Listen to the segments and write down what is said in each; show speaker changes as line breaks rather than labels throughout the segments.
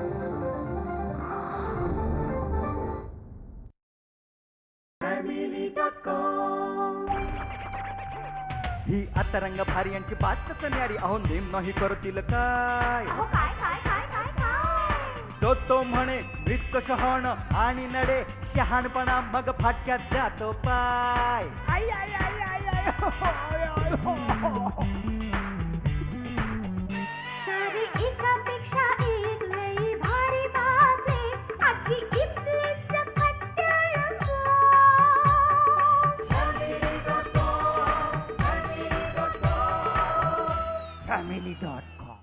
ही आता रंग भारी यांची बातच न्यारी. अहो नेम नाही करतील काय. जो तो म्हणे मृत शहाण आणि नडे शहाणपणा मग फाटक्यात जातो पाय. आई आई आई आई आई हो, हो, आय, आय, हो, हो.
सारी एकापेक्षा एक लई भारी बातमी आजची इथली सकट रंगो.
family.com.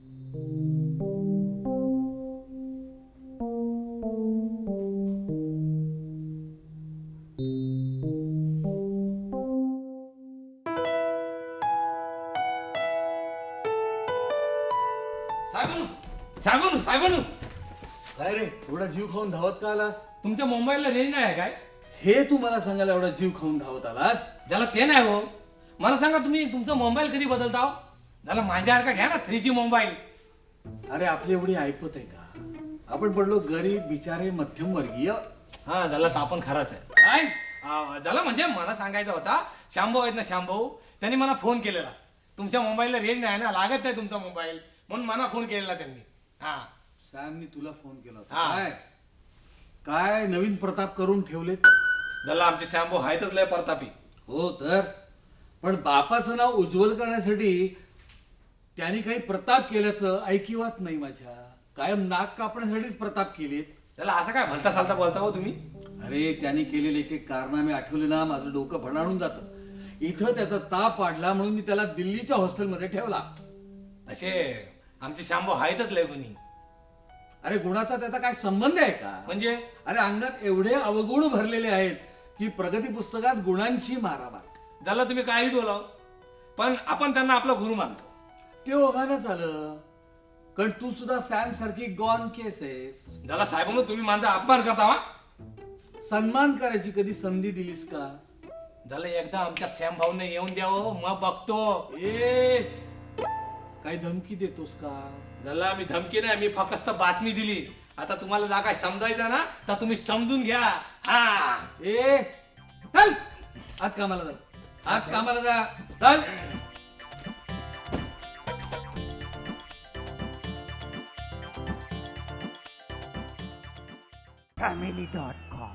साहेबानू साहेबानू
काय रे एवढा जीव खाऊन धावत का आलास?
तुमच्या मोबाईलला रेंज नाही आहे काय?
हे तू मला सांगायला एवढा जीव खाऊन धावत आलास?
ज्याला ते नाही हो. मला सांगा तुम्ही तुमचा मोबाईल कधी बदलता हो? झाला माझ्यासारखा घ्या ना 3G मोबाईल.
अरे आपली एवढी ऐपत आहे का? आपण पडलो गरीब बिचारे मध्यमवर्गीय.
हा झाला तर आपण खराच आहे काय झालं म्हणजे मला सांगायचा होता. शांभाऊ आहेत ना शांभाऊ, त्यांनी मला फोन केलेला. तुमच्या मोबाईलला रेंज नाही ना, लागत नाही तुमचा मोबाईल, म्हणून मला फोन केलेला त्यांनी. हा
सॅमनी तुला फोन केला होता.
हा.
काय काय नवीन प्रताप करून ठेवलेत?
झाला आमचे शांभाऊ आहेतच लय प्रतापी.
हो तर पण बापाचं नाव उज्ज्वल करण्यासाठी त्यांनी काही प्रताप केल्याचं ऐकिवात नाही माझ्या. कायम नाक कापण्यासाठीच प्रताप केलेत.
त्याला असं काय भलता सालता बोलता हो तुम्ही?
अरे त्यांनी केलेले एक एक कारनामे आठवले ना माझं डोकं भणाडून जातं. इथं त्याचा ताप वाढला म्हणून मी त्याला दिल्लीच्या हॉस्टेलमध्ये ठेवला.
असे आमचे शांभाऊ आहेतच लय गुणी.
अरे गुणाचा त्याचा काय संबंध आहे का?
म्हणजे
अरे अंगात एवढे अवगुण भरलेले आहेत की प्रगती पुस्तकात गुणांची मारामार.
झालं तुम्ही काही बोलाव, पण आपण त्यांना आपला गुरु मानतो.
ते ओघानच आलं कारण तू सुद्धा सॅम सारखी गॉन केस आहेस.
झाला साहेबांनो तुम्ही माझा अपमान करता वा.
सन्मान करायची कधी संधी दिलीस का?
झालं एकदा आमच्या सॅम भाऊने येऊन द्यावं मग बघतो.
ए काही धमकी देतोस का?
झाला मी धमकी नाही, मी फक्त बातमी दिली. आता तुम्हाला जा काय समजायचं ना तर तुम्ही समजून घ्या. हा
ए चल आत कामाला जा. आत कामाला जा चल.
family.com.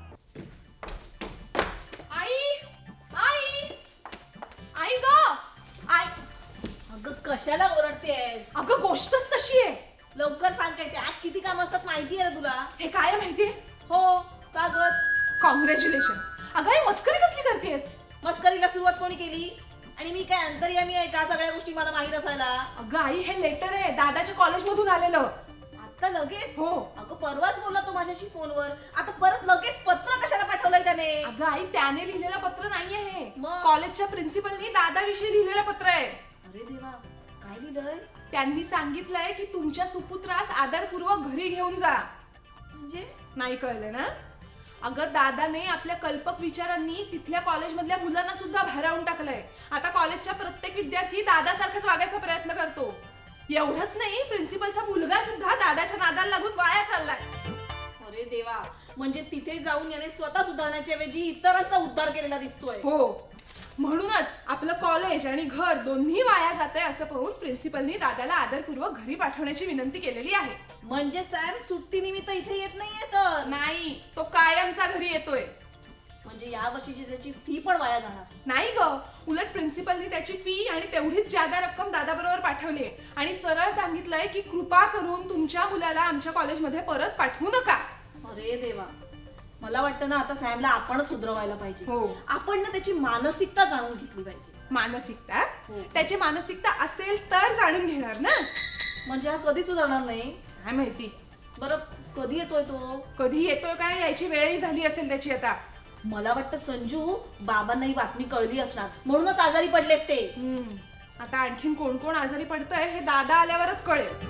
आई आई आई ग आई.
अगं कशाला ओरडतेस?
अगं गोष्टच तशी आहे.
लवकर सांग काय ते आत किती काम असतात माहिती आहे ना तुला?
हे काय आहे माहितीये?
हो का ग?
कॉंग्रॅच्युलेशन. अगं आई मस्करी कसली करतेस?
मस्करीला सुरुवात कोणी केली? आणि मी काय अंतर्यामी आहे का सगळ्या गोष्टी मला माहित असायला?
अगं आई हे लेटर आहे दादाच्या कॉलेजमधून आलेलं.
आता लगेच?
हो.
अगं परवाच बोलला तो माझ्याशी फोनवर. आता परत लगेच पत्र कशाला पाठवलंय त्याने?
अगं आई त्याने लिहिलेलं पत्र नाहीये हे.
मग?
कॉलेजच्या प्रिन्सिपलनी दादाविषयी लिहिलेलं पत्र आहे.
अरे देवा काय लिहिलंय?
त्यांनी सांगितलंय की तुमच्या सुपुत्रास आदरपूर्वक घरी घेऊन जा.
म्हणजे
नाही कळलं ना? अगं दादाने आपल्या कल्पक विचारांनी तिथल्या कॉलेजमधल्या मुलांना सुद्धा भारावून टाकलंय. आता कॉलेजच्या प्रत्येक विद्यार्थी दादासारखाच वागायचा प्रयत्न करतो. एवढंच नाही प्रिन्सिपलचा मुलगा सुद्धा दादाच्या नादाला लागून वाया चाललाय.
अरे देवा म्हणजे तिथे जाऊन याने स्वतः सुधारण्याच्या ऐवजी इतरांचा उद्धार केलेला दिसतोय.
हो म्हणूनच आपलं कॉलेज आणि घर दोन्ही वाया जाते असं पाहून प्रिन्सिपलनी दादाला आदरपूर्वक घरी पाठवण्याची विनंती केलेली आहे.
म्हणजे सॅम सुट्टी निमित्त इथे येत नाहीये तर?
नाही तो कायमचा घरी येतोय.
म्हणजे या वर्षीची त्याची फी पण वाया जाणार?
नाही ग उलट प्रिन्सिपलनी त्याची फी आणि तेवढीच जादा रक्कम दादाबरोबर पाठवली आणि सरळ सांगितलंय की कृपा करून तुमच्या मुलाला आमच्या कॉलेजमध्ये परत पाठवू नका.
अरे देवा मला वाटतं ना आता सॅमला आपणच सुधरवायला पाहिजे.
हो.
आपण ना त्याची मानसिकता जाणून घेतली पाहिजे.
मानसिकता?
हो.
त्याची मानसिकता असेल तर जाणून घेणार ना.
म्हणजे हा कधी सुधारणार नाही?
काय माहिती.
बरं कधी येतोय तो?
कधी येतोय काय याची वेळही झाली असेल त्याची आता.
मला वाटतं संजू बाबांना ही बातमी कळली असणार म्हणूनच आजारी पडलेत ते.
आता आणखीन कोण कोण आजारी पडतंय हे दादा आल्यावरच कळेल.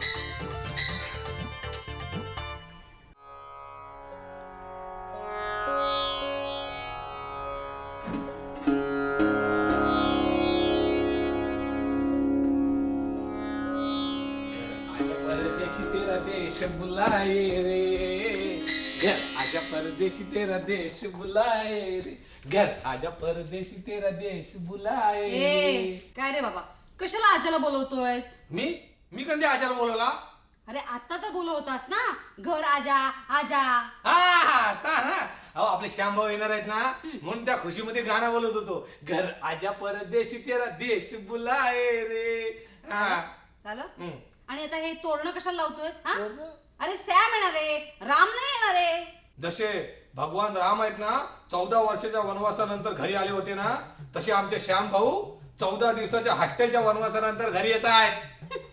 देश बुलाए रे, घर आजा परदेसी तेरा देश बुलाए रे, घर आजा परदेसी तेरा देश बुलाए
ए
रे.
काय रे बाबा, कशाला आजाला बोलवतोयस?
मी कधी आजाला बोलवला?
अरे आता तर बोलवतास ना, घर आजा आजा.
हा आता ना, अहो आपले श्यामभाऊ येणार आहेत ना, म्हणून त्या खुशीमध्ये गाणं बोलत होतो, घर आजा परदेशी तेरा देश बुलाए रे. हा
झालं?
हम्म.
आणि आता हे तोरणं कशाला लावतोयस हा? अरे सॅम येणार आहे, राम नाही येणार आहे.
जसे भगवान राम आहेत ना 14 वर्षाच्या वनवासानंतर घरी आले होते ना, तसे आमचे श्याम भाऊ 14 दिवसाच्या हॉस्टेलच्या वनवासानंतर घरी येत आहेत.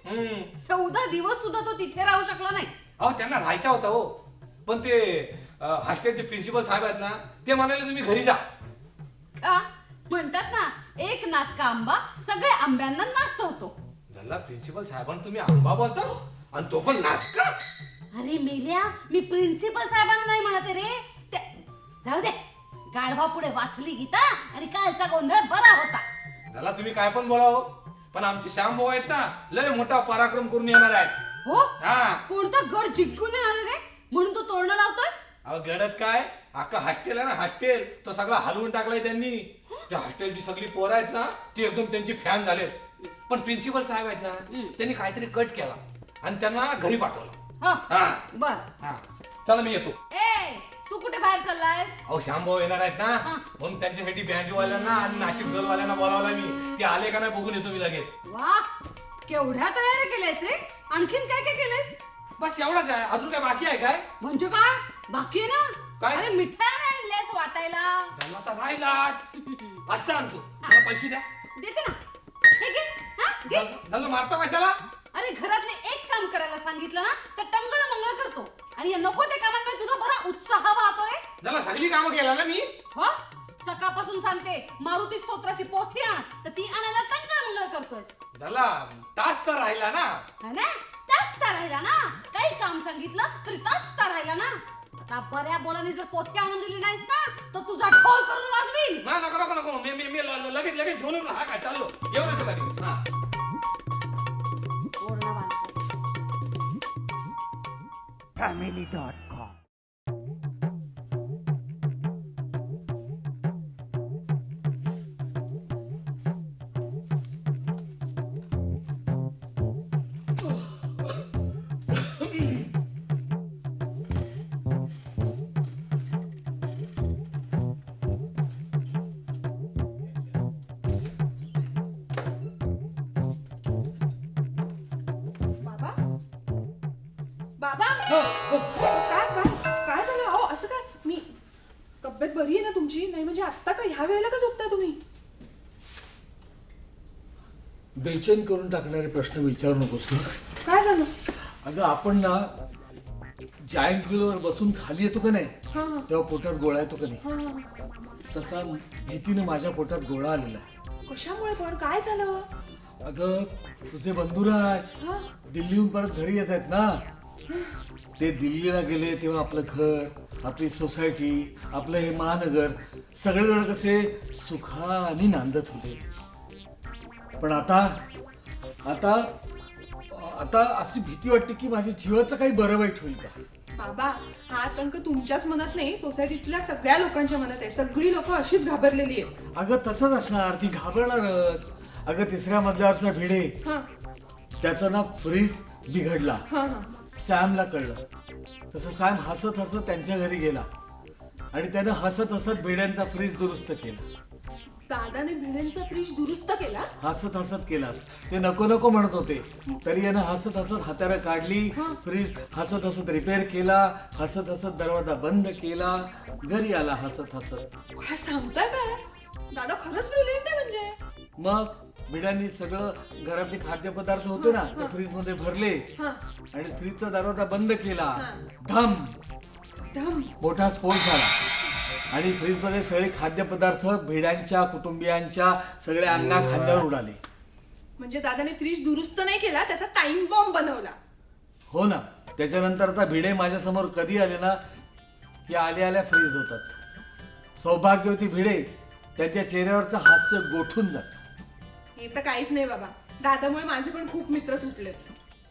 14 दिवस सुद्धा तो तिथे राहू शकला नाही.
अहो त्यांना राहायचा होता हो, पण ते हॉस्टेलचे प्रिन्सिपल साहेब आहेत ना, ते म्हणाले तुम्ही घरी जा.
का म्हणतात ना, एक नासका आंबा सगळ्या आंब्यांना नाचवतो.
झाला प्रिन्सिपल साहेबांना तुम्ही आंबा बोलता आणि तो पण नाचका.
अरे मेल्या, मी प्रिन्सिपल साहेबांना नाही म्हणते रे, ते जाऊ दे. गाढवा पुढे वाचली गीता आणि कालचा गोंधळ बरा होता.
झाला तुम्ही काय पण बोला हो, पण आमचे श्याम भाऊ आहेत ना, लय मोठा पराक्रम करून येणार आहेत.
हो,
हा
कोणता गड जिंकून येणार आहे रे, म्हणून तू तोरणं लावतोस?
अहो गडच काय, अख्खा हॉस्टेल आहे ना, हॉस्टेल तो सगळा हलवून टाकलाय त्यांनी. त्या हॉस्टेलची सगळी पोरं आहेत ना, ती एकदम त्यांची फॅन झालेत. पण प्रिन्सिपल साहेब आहेत ना, त्यांनी काहीतरी कट केला आणि त्यांना घरी पाठवलं.
हा
हा
बर.
हा चला मी येतो.
ए तू कुठे बाहेर चाललायस?
अहो श्यामभाऊ येणार आहेत ना, म्हणून त्यांच्यासाठी बँजोवाल्यांना आणि नाशिक दलवाल्यांना बोलावला मी. ते आले का नाही बघून येतो मी लगेच.
वा, केवढ्या तयारी केल्यास रे. आणखीन काय काय केलंस?
बस एवढाच आहे, अजून काय बाकी आहे काय?
म्हणजे काय बाकी आहे ना?
काय?
अरे मिठाई आणल्यास वाटायला.
झाला आता राहिलाच. आता आणतो, मला पैसे द्या.
देते ना, हे घे. हा, घे.
झालं मारता कशाला?
अरे घरातले एक काम करायला सांगितलं ना तर टंगळ मंगळ करतो, आणि या नको ते कामांकडे तुझा बरा उत्साह वाहतो रे.
झाला सगळी कामं केला ना मी.
हो, सकाळपासून सांगते मारुती स्तोत्राची पोथी आण, तर ती आणायला टंगळ मंगळ करतोस.
झाला तास तर राहिला ना.
हा ना, तास तर राहिला ना. काही काम सांगितलं तरी तास तर राहिला ना. आता बऱ्या बोलाने जर पोथी आणून दिली नाहीस ना तर तुझा ढोल करून वाजवीन.
ना नको नको नको, मी लगेच घेऊन येतो. हा काय चाललो, येऊन येतो लगेच. हा.
ओरडा बांधतो.
family.com
बाबा बाबा काय काय काय झालं? अहो असं काय, मी तब्येत बरी आहे ना तुमची? नाही म्हणजे आत्ता का ह्या वेळेला का झोपताय तुम्ही?
बेचैन करून टाकणारे प्रश्न विचारू नकोस ना.
काय झालं?
अगं आपण ना जायंट व्हीलवर बसून खाली येतो का नाही,
हा हा
तेव्हा पोटात गोळा येतो का नाही,
हा हा.
तसा भीतीने माझ्या पोटात गोळा आलेला आहे.
कशामुळे पण? काय झालं?
अगं तुझे बंधुराज
हा
दिल्लीहून परत घरी येत आहेत ना. ते दिल्लीला गेले तेव्हा आपलं घर, आपली सोसायटी, आपलं हे महानगर सगळेजण कसे सुखाने नांदत होते. पण आता आता आता अशी भीती वाटते की माझ्या जीवाचं काही बरं वाईट होईल का.
बाबा, हा आतंक तुमच्याच मनात नाही, सोसायटीतल्या सगळ्या लोकांच्या मनात आहे. सगळी लोक अशीच घाबरलेली आहेत.
अगं तसंच असणार, ती घाबरणारच. अगं तिसऱ्या मजल्यावरचा भिडे,
हा
त्याचा ना फ्रीज बिघडला.
हा हा
सॅमला कळलं. तसं सॅम हसत हसत त्यांच्या घरी गेला आणि त्यानं हसत हसत भिड्यांचा फ्रीज दुरुस्त केला.
दादाने भिड्यांचा फ्रीज दुरुस्त केला?
हसत हसत केला. ते नको नको म्हणत होते तरी यानं हसत हसत हातारा काढली, फ्रीज हसत हसत रिपेअर केला, हसत हसत दरवाजा बंद केला, घरी आला हसत हसत.
काय सांगताय काय? दादा खरंच ब्रिलियंट आहे म्हणजे.
मग भिड्यांनी सगळं घरातले खाद्यपदार्थ होते ना ते फ्रीज मध्ये भरले
हा
आणि फ्रीजचा दरवाजा बंद केला.
हा.
धम
धम.
मोठा स्फोट झाला आणि फ्रीजमध्ये सगळे खाद्यपदार्थ भिड्यांच्या कुटुंबियांच्या सगळ्या अंगा खांद्यावर उडाले.
म्हणजे दादाने फ्रीज दुरुस्त नाही केला, त्याचा टाइम बॉम्ब बनवला.
हो ना. त्याच्यानंतर आता भिडे माझ्यासमोर कधी आले ना की आल्या आल्या फ्रीज होतात. सौभाग्यवती भिडे त्यांच्या चेहऱ्यावरचं हास्य गोठून जात.
हे तर काहीच नाही बाबा, दादामुळे माझे पण खूप मित्र तुटलेत.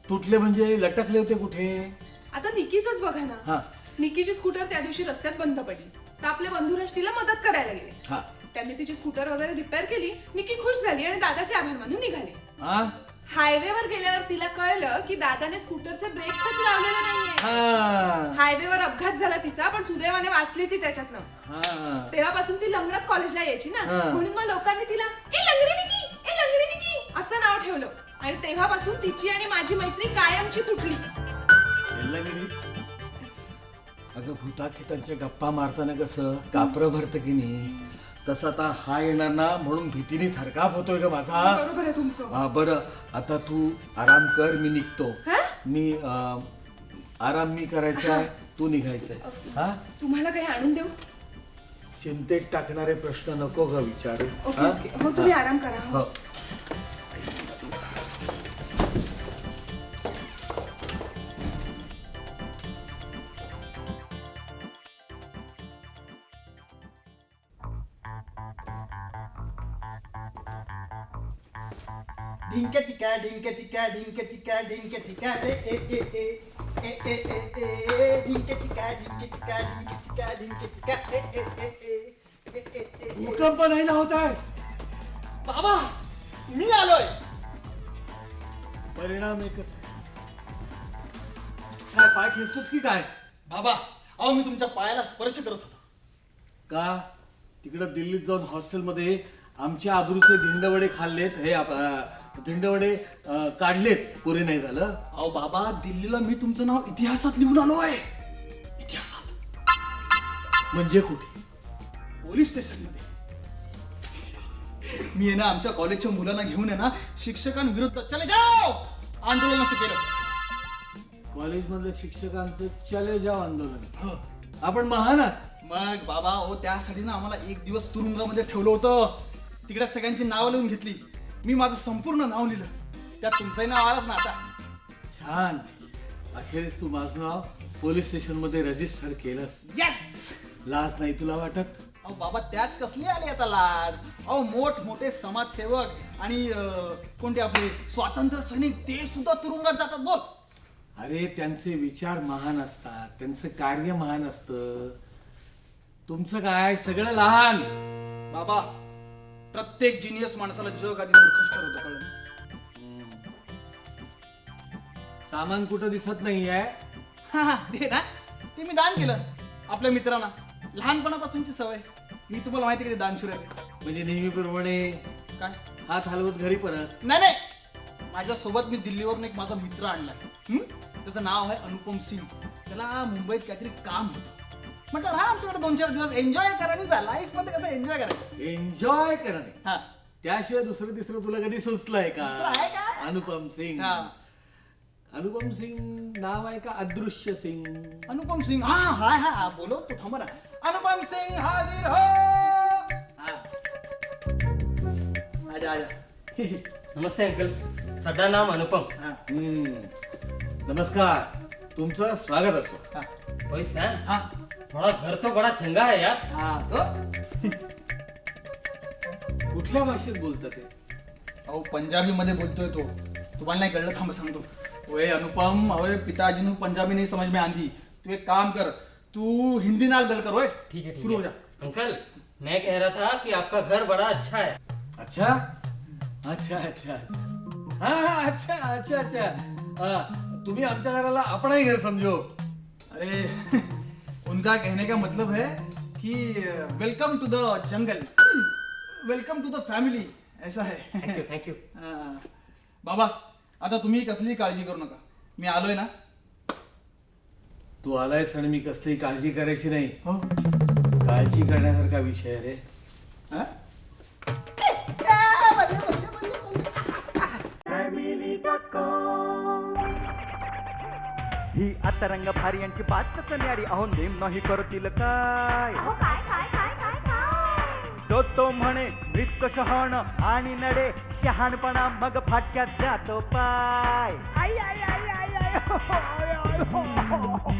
तुटले म्हणजे लटकले होते कुठे?
आता निकीच बघा ना.
हा
निकीची स्कूटर त्या दिवशी रस्त्यात बंद पडली तर आपले बंधुराज तिला मदत करायला गेले.
हा
त्यांनी तिची स्कूटर वगैरे रिपेअर केली. निकी खुश झाली आणि दादाचे आभार मानून निघाले.
हा
हायवेवर गेल्यावर तिला कळलं की दादाने स्कूटरचे ब्रेक्सच लावलेले नाहीये.
हा
हायवेवर अपघात झाला तिचा, पण सुदैवाने वाचली ती त्याच्यातनं.
हा
तेव्हापासून ती लंगडत कॉलेजला यायची ना,
हा.
म्हणून मग लोकांनी तिला ए लंगडी निकी, ए लंगडी निकी असं नाव ठेवलं. आणि तेव्हापासून तिची आणि माझी मैत्री कायमची तुटली.
यायला गेली. अगं भूताखितांच्या गप्पा मारताना कसं कापरं भरतं की नाही, तसं आता हा येणार ना म्हणून भीतीने थरकाप होतोय ग माझा.
बरोबर आहे तुमचं.
हा बरं आता तू आराम कर, मी निघतो.
हा?
मी आराम मी करायचा आहे, तू निघायचंय. हा
तुम्हाला काही आणून देऊ?
चिंतेत टाकणारे प्रश्न नको ग विचारू.
ओके
हा?
ओके. हो तुम्ही आराम करा. हो.
हो
ढिंक्या चिका ढिंक्या चिका ढिंक्या चिका ढिंक्या चिका रे ए ए ए ए ए ए ए ढिंक्या चिका ढिंक्या चिका ढिंक्या चिका ढिंक्या चिका ए ए ए ए ए ए ए
भूकंप नाही ना होत आहे.
बाबा मी आलोय.
परिणाम एकच आहे. काय पाय खेचतोस की काय?
बाबा अहो मी तुमच्या पायाला स्पर्श करत होतो.
का तिकडं दिल्लीत जाऊन हॉस्टेलमध्ये आमच्या आबरूचे धिंडवडे खाल्लेत, हे धिंडवडे काढलेत, पुरे नाही झालं.
अहो बाबा दिल्लीला मी तुमचं नाव इतिहासात लिहून आलोय. इतिहासात
म्हणजे कुठे?
पोलीस स्टेशन मध्ये. मी आहे ना आमच्या कॉलेजच्या मुलांना घेऊन आहे ना शिक्षकांविरुद्ध चले जाओ आंदोलन असं केलं.
कॉलेजमधल्या शिक्षकांचं चले जाव आंदोलन.
हो.
आपण महान आहात.
मग बाबा हो त्यासाठी ना आम्हाला एक दिवस तुरुंगामध्ये ठेवलं होतं. तिकडे सगळ्यांची नावं लिहून घेतली. मी माझं संपूर्ण नाव लिहिलं. त्यात तुमचंही नाव आलंच ना आता.
छान. अखेरीस तू माझं नाव पोलीस स्टेशन मध्ये रजिस्टर केलंस.
येस.
लाज नाही तुला वाटत?
अहो बाबा त्यात कसली आली आता लाज. अहो मोठमोठे समाजसेवक आणि कोणते आपले स्वातंत्र्य सैनिक ते सुद्धा तुरुंगात जातात. बोल.
अरे त्यांचे विचार महान असतात, त्यांचं कार्य महान असतं. तुमचं काय सगळं लहान.
बाबा प्रत्येक जिनियस माणसाला जग आधी मूर्खच ठरवतं कळलं.
सामान कुठं दिसत नाहीये.
हा हा ते ना ते मी दान केलं आपल्या मित्रांना. लहानपणापासूनची सवय. मी तुम्हाला माहिती आहे की दानशूर आहे.
म्हणजे नेहमीप्रमाणे
काय
हात हलवत घरी परत.
नाही नाही माझ्यासोबत मी दिल्लीवरून एक माझा मित्र आणलाय. त्याचं नाव आहे अनुपम सिंग. त्याला मुंबईत काहीतरी काम होतं. म्हटलं राहा आमच्याकडे 2-4 दिवस एन्जॉय करा. आणि जा लाईफ मध्ये कसं एन्जॉय करायचं.
एन्जॉय करणे
हा
त्याशिवाय दुसरं तिसरं तुला कधी सुचलंय का?
दुसरं आहे का?
अनुपम सिंग.
हा
अनुपम सिंग नाव आहे का अदृश्य सिंग?
अनुपम सिंग. हा हा हा बोलो तू थांबा ना. अनुपम सिंग हाजिर हो. हा आजा आजा.
नमस्ते अंकल, सड्डा नाम अनुपम.
हा
नमस्कार, तुमचं स्वागत असो.
हा
वही सैम,
हा
थोड़ा घर तो बड़ा चंगा है यार.
हा तो
कुठल्या भाषेत बोलतात ते?
अहो पंजाबी मध्ये बोलतोय तो. तुम्हाला नाही कळलं थांब सांगतो. ओए अनुपम ओए पिताजी नु पंजाबी नहीं समझ में आती. तू एक काम कर तू हिंदी नाल गल कर. ओए
ठीक है, ठीक
शुरू हो
है.
जा.
अंकल, मैं कह रहा था कि आपका घर बड़ा अच्छा है.
अच्छा अच्छा अच्छा. हा हा, अच्छा अच्छा अच्छा. तुम्ही आमच्या घराला आपणही घर समजो.
अरे उनका कहने का मतलब है कि welcome to the jungle, welcome to the family ऐसा है.
Thank you thank you.
बाबा आता तुम्ही कसली काळजी करू नका. मी आलोय ना.
तू आलायस आणि मी कसली काळजी करायची नाही.
हो
काळजी करण्यासारखा विषय आहे रे.
हा?
ही आता रंग भारी यांची बातच न्यारी. अहो नेम नाही करतील काय.
अहो काय काय काय काय काय
जो तो म्हणे मृत शहाण आणि नडे शहाणपणा मग फाटक्यात जातो पाय. आई आई आई आई आई हो, हो, आय, आय, हो, हो.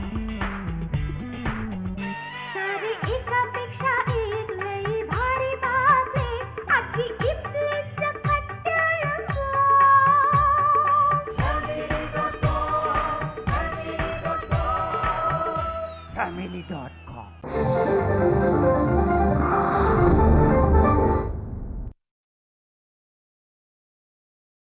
सारी एकापेक्षा एक लई भारी बातमी आजची इथली सकट रंगो.
family.com.